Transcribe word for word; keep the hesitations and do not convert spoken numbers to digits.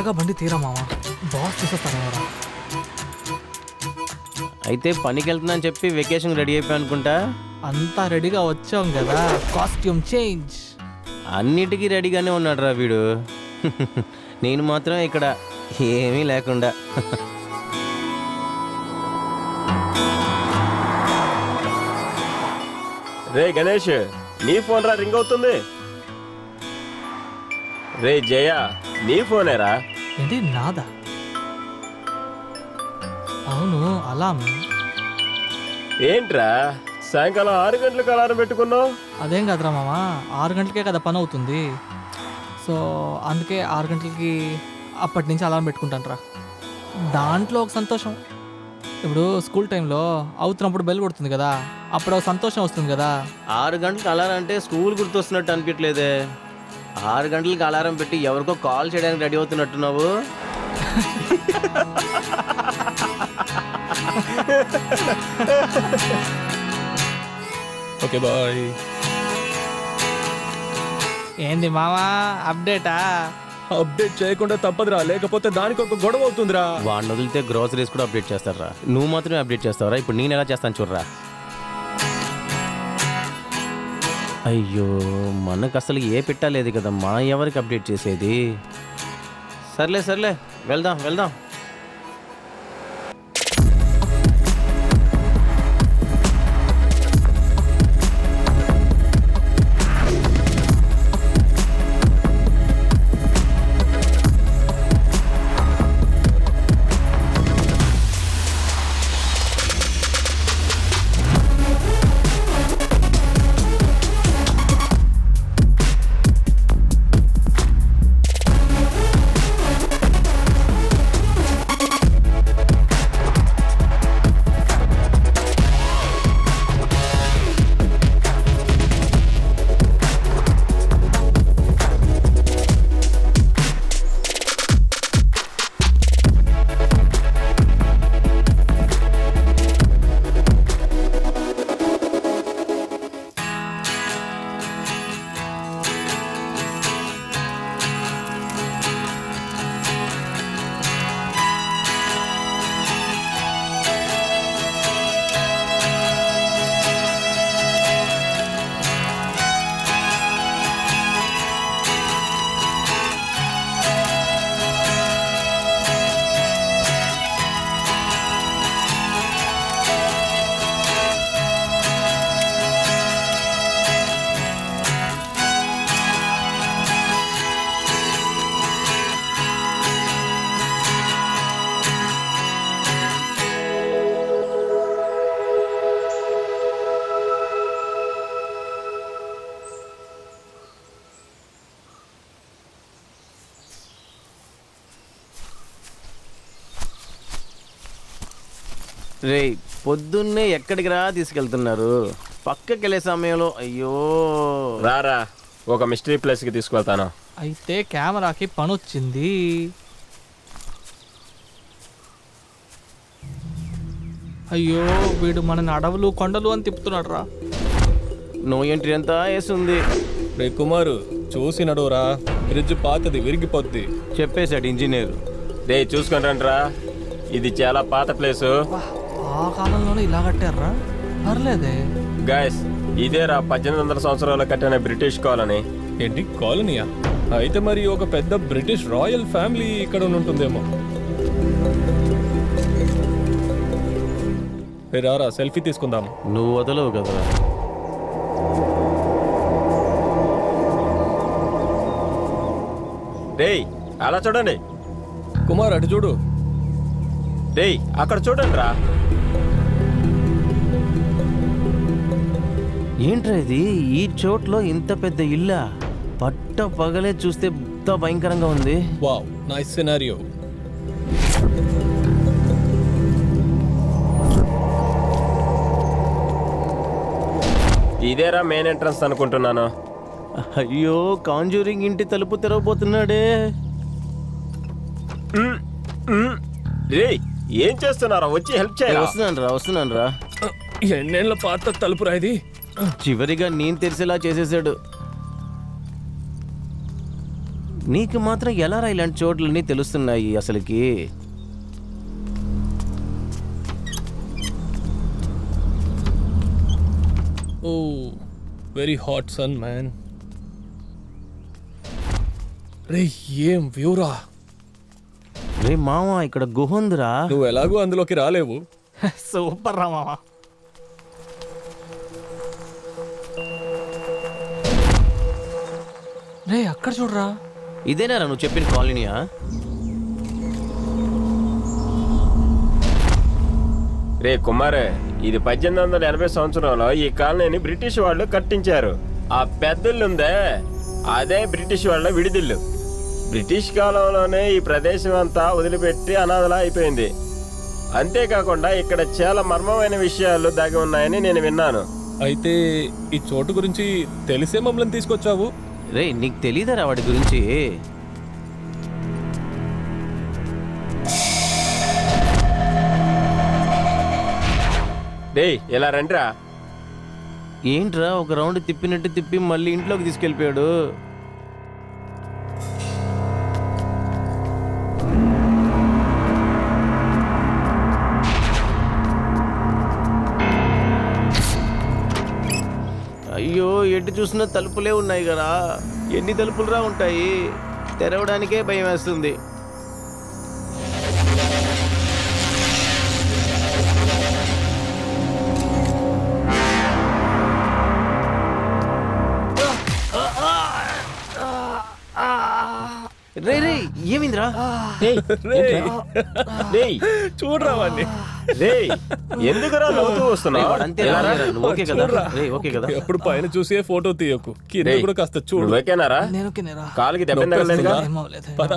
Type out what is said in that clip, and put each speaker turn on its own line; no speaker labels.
త్వరగా బండి తీరా మామ, బాస్ చూసేస్తారా.
అయితే పనికి వెళ్తున్నా అని చెప్పి వెకేషన్ రెడీ అయిపోయి అనుకుంటా.
అంతా రెడీగా వచ్చాం కదా, కాస్ట్యూమ్ చేంజ్.
అన్నిటికీ రెడీగానే ఉన్నాడు రా వీడు. నేను మాత్రం ఇక్కడ ఏమీ లేకుండా.
రే గణేష్, నీ ఫోన్ రా రింగ్ అవుతుంది. రే జయ, నీ ఫోనేరా?
ఏంటి నాదా? అవును, అలాం.
ఏంట్రా సాయంకాలం ఆరు గంటలకు అలారం పెట్టుకున్నావు?
అదేం కదరా మామ, ఆరు గంటలకే కదా పని అవుతుంది. సో అందుకే ఆరు గంటలకి అప్పటి నుంచి అలారం పెట్టుకుంటాను రా. దాంట్లో ఒక సంతోషం. ఇప్పుడు స్కూల్ టైంలో అవుతున్నప్పుడు బెల్ కొడుతుంది కదా, అప్పుడు ఒక సంతోషం వస్తుంది కదా.
ఆరు గంటలకు అలారం అంటే స్కూల్ గుర్తొస్తున్నట్టు అనిపించలేదే. ఆరు గంటలకు అలారం పెట్టి ఎవరికో కాల్ చేయడానికి రెడీ అవుతున్నట్టున్నావు.
Okay bye.
ఏంది మామా అప్డేటా?
అప్డేట్ చేయకుండా తప్పదురా, లేకపోతే దానికి ఒక గొడవ అవుతుందిరా.
వాడిని వదిలితే గ్రోసరీస్ కూడా అప్డేట్ చేస్తారా? నువ్వు మాత్రమే అప్డేట్ చేస్తావరా? ఇప్పుడు నేను ఎలా చేస్తాను చూడరా. అయ్యో, మనకు అసలు ఏ పెట్టలేదు కదా, మా ఎవరికి అప్డేట్ చేసేది. సర్లే సర్లే, వెళ్దాం వెళ్దాం. రే, పొద్దున్నే ఎక్కడికి రా తీసుకెళ్తున్నారు? పక్కకి వెళ్ళే సమయంలో అయ్యో.
రారా, ఒక మిస్టరీ ప్లేస్కి తీసుకువెళ్తాను.
అయితే కెమెరాకి పని వచ్చింది. అయ్యో, వీడు మనని అడవులు కొండలు అని తిప్పుతున్నాడు రా.
నో ఎంట్రీ అంతా వేస్తుంది.
రే కుమారు, చూసి నడువురా, బ్రిడ్జ్ పాతది, విరిగిపోద్ది.
చెప్పేశాడు ఇంజనీర్.
రే చూసుకొని రండిరా, ఇది చాలా పాత ప్లేసు.
ఆ కాలంలోనే ఇలా కట్టారా? పర్లేదే.
గాయస్, ఇదేరా పద్దెనిమిది వందల సంవత్సరాలు కట్టిన బ్రిటిష్ కాలనీ.
ఏంటి, కాలనీయా? అయితే మరి ఒక పెద్ద బ్రిటిష్ రాయల్ ఫ్యామిలీ ఇక్కడ ఉంటుందేమో. రే రారా, సెల్ఫీ తీసుకుందాం.
నువ్వు వదలవు కదరా.
రేయ్ అలా చూడండి.
కుమార్ అటు చూడు.
రేయ్ అక్కడ చూడండి రా.
ఏంట్రా ఇది? ఈ చోట్లో ఇంత పెద్ద ఇల్లా? పట్ట పగలే చూస్తే ఎంత భయంకరంగా ఉంది.
Wow, nice scenario.
ఇదేరా మెయిన్ ఎంట్రన్స్ అనుకుంటున్నాను.
అయ్యో, కాంజూరింగ్ ఇంటి తలుపు తెరవబోతున్నాడే.
రేయ్ ఏం చేస్తున్నారా? వచ్చి హెల్ప్ చేయాలి.
వస్తున్నాను రా వస్తున్నాను రా.
ఎన్నేళ్ల పాత తలుపురా ఇది.
చివరిగా నేను తెరిసేలా చేసేసాడు. నీకు మాత్రం ఎలా రా ఇలాంటి చోట్లన్నీ తెలుస్తున్నాయి అసలుకి?
Oh very hot sun man. రే ఏం వ్యూరా.
రే మామ, ఇక్కడ గుహ ఉందిరా.
నువ్వు ఎలాగో అందులోకి రాలేవు.
సూపర్ రా మామ. రే అక్కడ చూడరా.
ఇదేనా నువ్వు చెప్పిన కాలనీయా?
రే కుమారే, ఇది పద్దెనిమిది వందల ఎనభై సంవత్సరంలో ఈ కాలనీని బ్రిటిష్ వాళ్ళు కట్టించారు. ఆ పెద్దల్లుందే అదే బ్రిటిష్ వాళ్ళ విడిదిల్లు. బ్రిటిష్ కాలంలోనే ఈ ప్రదేశం అంతా వదిలిపెట్టి అనాథలా అయిపోయింది. అంతేకాకుండా ఇక్కడ చాలా మర్మమైన విషయాలు దాగి ఉన్నాయని నేను విన్నాను.
అయితే ఈ చోటు గురించి తెలిసే మమ్మల్ని తీసుకొచ్చావు.
రే నీకు తెలీదరా వాడి గురించి?
డే ఇలా రండిరా.
ఏంట్రా ఒక రౌండ్ తిప్పినట్టు తిప్పి మళ్ళీ ఇంట్లోకి తీసుకెళ్ళిపోయాడు. అయ్యో, ఎటు చూసినా తలుపులే ఉన్నాయి కదా. ఎన్ని తలుపులురా ఉంటాయి? తెరవడానికే భయం వేస్తుంది. రే రే ఏమిందిరా?
చూడరా వాడిని.
ఎందుకురా నవ్వుతూ వస్తున్నావు?
అంతే నువ్వు ఓకే కదా? రే ఓకే కదా?
ఎప్పుడు పైన చూసే ఫోటో తీయకు, కింద కూడా కాస్త చూడు.
ఓకేనారా?
నేను ఓకేనేరా.
కాలుకి దెబ్బ తగలలేదుగా?
ఏం అవ్వలేదు.
పద.